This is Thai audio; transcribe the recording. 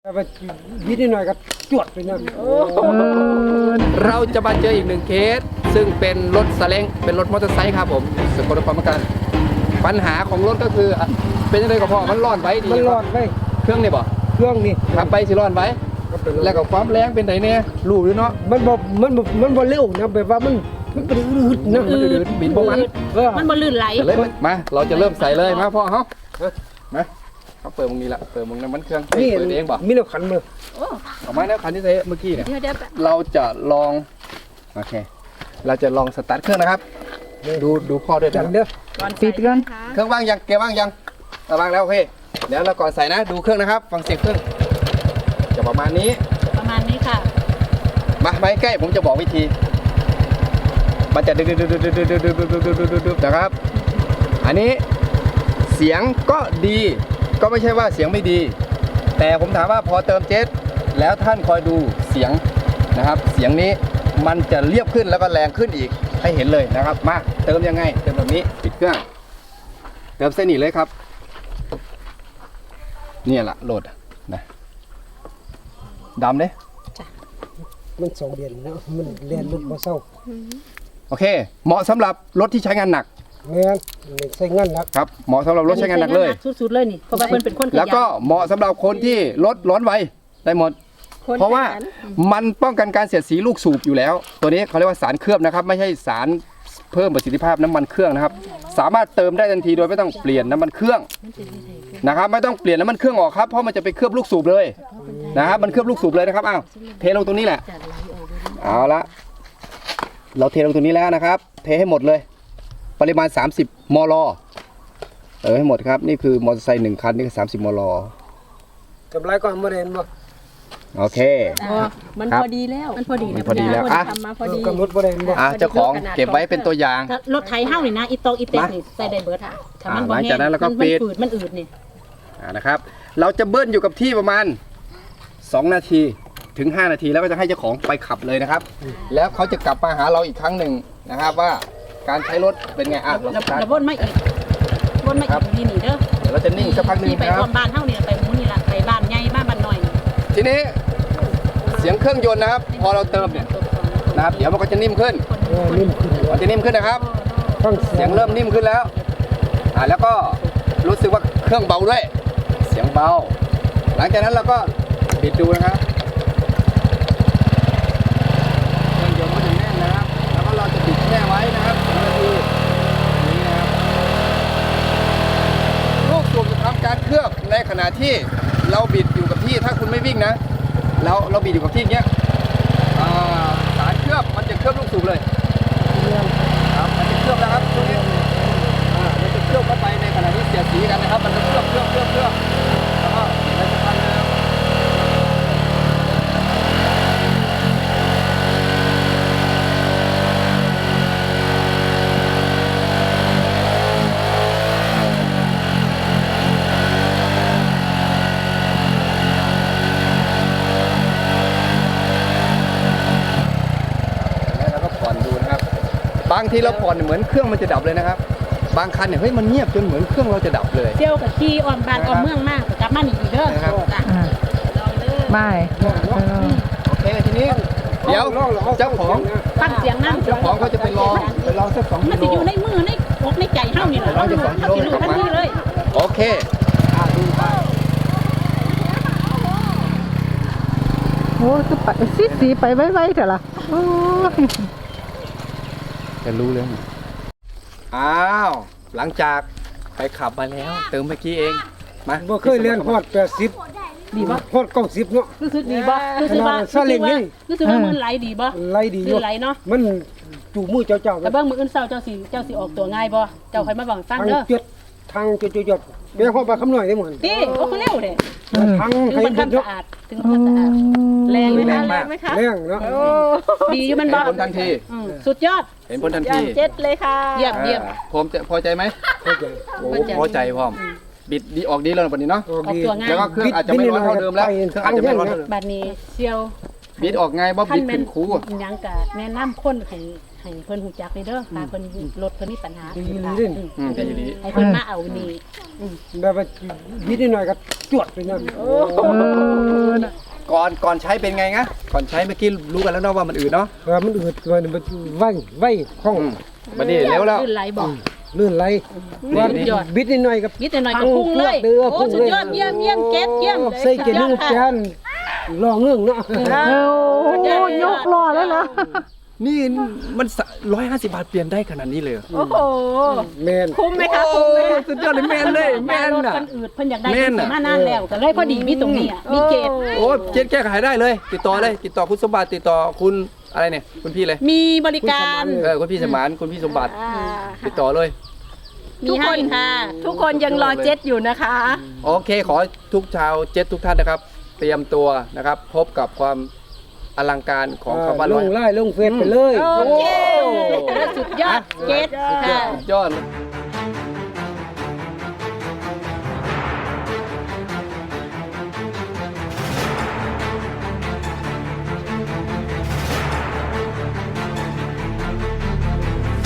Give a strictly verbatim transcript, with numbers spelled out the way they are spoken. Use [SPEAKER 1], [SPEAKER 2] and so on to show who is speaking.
[SPEAKER 1] ไปยิดนิดหน่อยก็จวดไปนั่น
[SPEAKER 2] เราจะมาเจออีกหนึ่งเคสซึ่งเป็นรถซาเล้งเป็นรถมอเตอร์ไซค์ครับผมสกลนครเหมือนกันปัญหาของรถก็คืออ่ะเป็นยังไงก็พอมันร้อนไว้ดี
[SPEAKER 1] มันร้อนไป
[SPEAKER 2] เครื่องนี่บ่
[SPEAKER 1] เครื่องนี่
[SPEAKER 2] ขับไปสิร้อนไว้แล้วก็ความแรงเป็นไงเนี่ยรู้หรือเนาะ
[SPEAKER 1] มันบ่มันบ่มันบ่เร็วนะแบบว่ามันมันเป็นอืดๆนะ
[SPEAKER 2] มันอืดๆบินบ่มัน
[SPEAKER 1] เออ
[SPEAKER 3] มันบ่ลื่นไหล
[SPEAKER 2] เลยมาเราจะเริ่มใส่เลยมาพ่อเฮามาเขาเปิดมึงนี่ละเปิดมึงน้ำมันเครื่อง
[SPEAKER 1] นี่
[SPEAKER 2] เปิดเองบ่
[SPEAKER 1] มีแนวขันมือ
[SPEAKER 3] โอ้
[SPEAKER 2] ออกมาแล้วคันที่ใส่เมื่อกี้เนี่ย
[SPEAKER 3] เดี๋ยวเดี๋ยว
[SPEAKER 2] เราจะลองโอเคเราจะลองสตาร์ทเครื่องนะครับ ดูดูพ่อด้วย
[SPEAKER 1] จั
[SPEAKER 2] นะ
[SPEAKER 1] งเด้อ
[SPEAKER 3] ก่อนปิดก่อน
[SPEAKER 2] เครื่องว่างยังเกียร์ว่างยังเอาว่างแล้วโอเคเดี๋ยวเราก่อนใส่นะดูเครื่องนะครับฟังเสียงเครื่องจะประมาณนี้
[SPEAKER 3] ประมาณนี้ค่ะ
[SPEAKER 2] มาไม้ใกล้ผมจะบอกวิธีมันจะดึ๊ดดึ๊ดดึ๊ดดึ๊ดดึ๊ดดึ๊ดดึ๊ดดึ๊ดดึ๊ดดึ๊ดดึ๊ดนะครับอันนี้เสียงก็ดีก็ไม่ใช่ว่าเสียงไม่ดี แต่ผมถามว่าพอเติมเจ็ตแล้วท่านคอยดูเสียงนะครับเสียงนี้มันจะเรียบขึ้นแล้วก็แรงขึ้นอีกให้เห็นเลยนะครับมาเติมยังไงเติมแบบนี้ปิดเครื่องเติมเส้นนี้เลยครับเนี่ยละโหลดนะดำเลย
[SPEAKER 1] มันสองเดือนแล้วมันเรียนรถบ่เศร้า
[SPEAKER 2] โอเคเหมาะสำหรับรถที่ใช้งานหนัก
[SPEAKER 1] แม่นไม่ใส่เงินหนัก
[SPEAKER 2] ครับเหมาะสำหรับรถใช้งานหนักเลย
[SPEAKER 3] สุดๆเลยนี่เพราะว่าเพิ่นเป็นคนขยัน
[SPEAKER 2] แล้วก็เหมาะสำหรับคนที่รถร้อนไวได้หมด
[SPEAKER 3] คน
[SPEAKER 2] เพราะว่า
[SPEAKER 3] ขยัน
[SPEAKER 2] มันป้องกันการเสียดสีลูกสูบอยู่แล้ว ตัวนี้เขาเรียกว่าสารเคลือบนะครับ ไม่ใช่สารเพิ่มประสิทธิภาพน้ำมันเครื่องนะครับ สามารถเติมได้ทันทีโดยไม่ต้องเปลี่ยนน้ำมันเครื่องนะครับ ไม่ต้องเปลี่ยนน้ำมันเครื่องออกครับเพราะมันจะไปเคลือบลูกสูบเลยนะครับมันเคลือบลูกสูบเลยนะครับอ้าวเทลงตรงนี้แหละเอาละเราเทลงตรงนี้แล้วนะครับ เทให้หมดเลย ปริมาณ สามสิบ มล เออให้หมดครับนี่คือมอเตอร์ไซค์หนึ่งคันนี่คือสามสิบ มล
[SPEAKER 1] กำไรก็บ่ได้เห็นบ่
[SPEAKER 2] โอเค
[SPEAKER 3] อ๋อมัน
[SPEAKER 2] ครับ
[SPEAKER 3] พอดีแล้วมันพอดี
[SPEAKER 2] มันพอดีแล้วอ่ะ
[SPEAKER 3] ทำมาพอดี
[SPEAKER 1] กำหนดบ่ได้เห็นบ่
[SPEAKER 2] อ่ะเจ้าของเก็บไว้เป็นตัวอย่าง
[SPEAKER 3] ถ้ารถไถเฮานี่นะอีตอกอีเต็กนี่ใส่ได้เบิดค่ะถ้ามันบ่
[SPEAKER 2] อ่าหลัง
[SPEAKER 3] แห้
[SPEAKER 2] จาก
[SPEAKER 3] ง
[SPEAKER 2] นั้นเราก็
[SPEAKER 3] มัน
[SPEAKER 2] ปิด
[SPEAKER 3] ฝืดมันอืดนี่
[SPEAKER 2] อ่านะครับ เราจะเบิ้ลอยู่กับที่ประมาณสองนาทีถึงห้านาทีแล้วก็จะให้เจ้าของไปขับเลยนะครับ แล้วเขาจะกลับมาหาเราอีกครั้งหนึ่งนะครับว่าการใช้รถเป็นไงอ่ะเรา
[SPEAKER 3] แล้ว
[SPEAKER 2] สตาร์ท
[SPEAKER 3] แล้ววนมาอีกวนมาอีกนี่นี่เด้อ
[SPEAKER 2] เดี๋ยวเราจะนิ่งสักพักหนึ่ง
[SPEAKER 3] ที่ไป
[SPEAKER 2] นะค
[SPEAKER 3] ร
[SPEAKER 2] รั
[SPEAKER 3] ว
[SPEAKER 2] บ
[SPEAKER 3] มบ้านเฮานี่ไปหมู่นี่ล่ะไปบ้านใหญ่บ้านบ้านน้อยนี่
[SPEAKER 2] ทีนี้เสียงเครื่องยนต์นะครับ พอเราเติมเนี่ยนะครับเดี๋ยวมันก็จะนิ่มขึ้น
[SPEAKER 1] เออนิ่มขึ้น
[SPEAKER 2] มันจะนิ่มขึ้นนะครับ
[SPEAKER 1] ฟัง
[SPEAKER 2] เสี
[SPEAKER 1] เสี
[SPEAKER 2] ย
[SPEAKER 1] ย
[SPEAKER 2] ง
[SPEAKER 1] ง
[SPEAKER 2] เริ่มนิ่มขึ้นแล้ว อ่า แล้วก็รู้สึกว่าเครื่องเบาด้วย เสียงเบา หลังจากนั้นเราก็ปิดดูนะครับ เครื่องยนต์ก็จะแน่นนะครับ แล้วก็เราจะปิดแช่ไว้นะครับสองนาทีอย่างนี้นะครับลูกสูบจะทำการเคลือบในขณะที่เราบิดอยู่กับที่ ถ้าคุณไม่วิ่งนะ เราเราบิดอยู่กับที่อย่างเงี้ยอ่าสารเคลือบมันจะเคลือบลูกสูบเลย ครับมันจะเคลือบนะครับตรงนี้อ่ามันจะเคลือบเข้าไปในขณะที่เสียดสีกันนะครับ มันจะเคลือบเคลือบเคลือบเคลือบแล้วก็เดี๋ยวจะพันนะครับแล้วเราก็ผ่อนดูนะครับ บางทีเราผ่อนเหมือนเครื่องมันจะดับเลยนะครับ บางคันเนี่ยเฮ้ยมันเงียบจนเหมือนเครื่องเราจะดับเลย
[SPEAKER 3] เที่ยวกับขี่อ้อมบ้านอ้อมเมืองมากกลับมานี่อีกเด้อ
[SPEAKER 2] นะครับ
[SPEAKER 3] จ้ะลองเด้อ
[SPEAKER 4] ไม่
[SPEAKER 2] โอเคทีนี้เดี๋ยวเจ้าของ
[SPEAKER 3] ฟังเสียงนั่ง
[SPEAKER 2] เจ้าของเขาจะไปลองไปลองสักสอง
[SPEAKER 3] มัน
[SPEAKER 2] กิ
[SPEAKER 3] สิ
[SPEAKER 2] โล
[SPEAKER 3] อยู่ในมือในอกในใจเฮานี่แหละ
[SPEAKER 2] ร้อยจะสองกิโล
[SPEAKER 3] เฮาสิรู้ทันทีเลย
[SPEAKER 2] โอเคอ่ะดูไป
[SPEAKER 4] โอ้คือไปสีสีไปไว้ๆเถอะล่ะโอ้ย
[SPEAKER 2] จะรู้เรื่องอ้าวหลังจากไปขับมาแล้ว เติมเมื่อกี้เองมา
[SPEAKER 1] บ่เคยเรียนฮอดแปดสิบ
[SPEAKER 3] ดีบ่
[SPEAKER 1] ฮอดเก้าสิบเนาะ
[SPEAKER 3] รู้สึกดีบ่รู้สึกว่า
[SPEAKER 1] ซาเล้งนี่
[SPEAKER 3] รู้สึกว่ามือไหลดีบ่
[SPEAKER 1] ไหลดีอยู่
[SPEAKER 3] มือไหลเนาะ
[SPEAKER 1] มันจูมือเจ้าเจ้า
[SPEAKER 3] แต่เบิ่งมืออื่นเช้าเจ้าสิเจ้าสิออกตัวง่ายบ่เจ้าค่อยมาบอกฟัง
[SPEAKER 1] ทาง
[SPEAKER 3] เด้อ
[SPEAKER 1] เจ็ดทางจุดจุดๆๆเบี้ยฮอดไปคำหน่อยได้หมด
[SPEAKER 3] ติโอ้คือเร็วเด้
[SPEAKER 1] ทาง
[SPEAKER 3] ถึง
[SPEAKER 1] ให้
[SPEAKER 3] มัน
[SPEAKER 1] เบิด
[SPEAKER 3] ทำ
[SPEAKER 1] เนาะ
[SPEAKER 3] สะอาดถึงมันสะอาดแรงไหม
[SPEAKER 2] แร
[SPEAKER 3] คะ
[SPEAKER 2] งมาก
[SPEAKER 3] ไหมคะ
[SPEAKER 1] แรงเนาะ
[SPEAKER 3] ดีอยู่มัน
[SPEAKER 2] เห็
[SPEAKER 3] บ่
[SPEAKER 2] นผลทันที
[SPEAKER 3] อืมสุดยอด
[SPEAKER 2] เห็นผลทันที
[SPEAKER 3] เจ็ดเลยค่ะเยี่ยมเยี่ยม
[SPEAKER 2] อ่าผมจะพอใจไหม
[SPEAKER 1] เข้าใจ
[SPEAKER 2] โอ้พอใจพร้อมบิดดีออกดีแล้วนะปันนี้เนาะ
[SPEAKER 1] ออก
[SPEAKER 3] ออก
[SPEAKER 1] ดี
[SPEAKER 3] ตัวง่าย
[SPEAKER 2] แล้วก็เครื่องอาจจะไม่ร้อนเท่าเดิมแล้วเครื่องอาจจะไม่ร้อนเท่าเดิม
[SPEAKER 3] บัดนี้เซียว
[SPEAKER 2] บิดออกง่ายบ่บิด
[SPEAKER 3] แม่
[SPEAKER 2] เป็น นคู
[SPEAKER 3] หยังกะแนะนำคนให้ให้เพิ่นหูจักเลยเด้อถ้าเพิ่นรถเพิ่นมีปัญหา
[SPEAKER 1] ดีดี
[SPEAKER 3] อืม
[SPEAKER 2] อืมดีดี
[SPEAKER 3] ให้เพิ่นมาเอานี่
[SPEAKER 1] แบบว่ายิดนิดหน่อยก็จวดไปนะ
[SPEAKER 4] เออน่ะ
[SPEAKER 2] ก่อนก่อนใช้เป็นไงนะก่อนใช้เมื่อกี้รู้กันแล้วเนาะว่ามันอืดเนาะ
[SPEAKER 1] เออมันอืดมันมันไหวไหวคล่อง
[SPEAKER 2] อืมบัดนี้เร็วแล้ว
[SPEAKER 3] ขึ้นไหลบอก
[SPEAKER 1] ลื่นไหล
[SPEAKER 2] นี่
[SPEAKER 1] ว่า
[SPEAKER 2] นี่
[SPEAKER 1] บิดนิดหน่อยก็
[SPEAKER 3] นิดหน่อยก็พุ่งเลย
[SPEAKER 1] เด้อ
[SPEAKER 3] โอ้
[SPEAKER 1] พุ่ง
[SPEAKER 3] สุ
[SPEAKER 1] เล
[SPEAKER 3] ด
[SPEAKER 1] ย
[SPEAKER 3] ยอดเยี่ยมเยี่ยมเก็ตเยี่ยม
[SPEAKER 1] ใส่เกลือนึ่งจานรอเงื่องเนาะ
[SPEAKER 4] เออโอ้ยกล้อแล้วนะ
[SPEAKER 2] นี่มันร้อยห้าสิบบาทเปลี่ยนได้ขนาดนี้เลยเหรอ
[SPEAKER 3] โอ้โห
[SPEAKER 1] แมน
[SPEAKER 3] คุ้มไหมคะ
[SPEAKER 2] โอ้
[SPEAKER 3] คุ้มไหมคะ
[SPEAKER 2] สุดยอดเลยแมนเลยแมน
[SPEAKER 3] รถ
[SPEAKER 2] อ่ะ
[SPEAKER 3] เพิ่นอืดเพิ่นอยากได้
[SPEAKER 2] แม่
[SPEAKER 3] เพิ่
[SPEAKER 2] น
[SPEAKER 3] น
[SPEAKER 2] น่ะ
[SPEAKER 3] สิมานานแล้วก็เลยพอดีมีตรงนี้อ่ะมีเกต
[SPEAKER 2] โอ้เจ๊แก้ไขได้เลย ติดต่อเลย ติดต่อคุณสมบัติติดต่อคุณอะไรเนี่ยคุณพี่เลย
[SPEAKER 3] มีบริการ
[SPEAKER 2] เออคุณพี่สมานคุณพี่สมบัติ
[SPEAKER 5] อ่า
[SPEAKER 2] ติดต่อเลย
[SPEAKER 3] มีให้ค่ะ
[SPEAKER 5] ทุกคนยังรอเจ็ตอยู่นะคะ
[SPEAKER 2] โอเคขอทุกชาวเจ็ตทุกท่านนะครับ เตรียมตัวนะครับ พบกับความอลังการของคำว่า
[SPEAKER 1] ล
[SPEAKER 2] ร้อย
[SPEAKER 1] งไล่ลงเฟซไปเลย
[SPEAKER 3] โอเคสุดยอดเกตค่ะ
[SPEAKER 2] ยอดเลย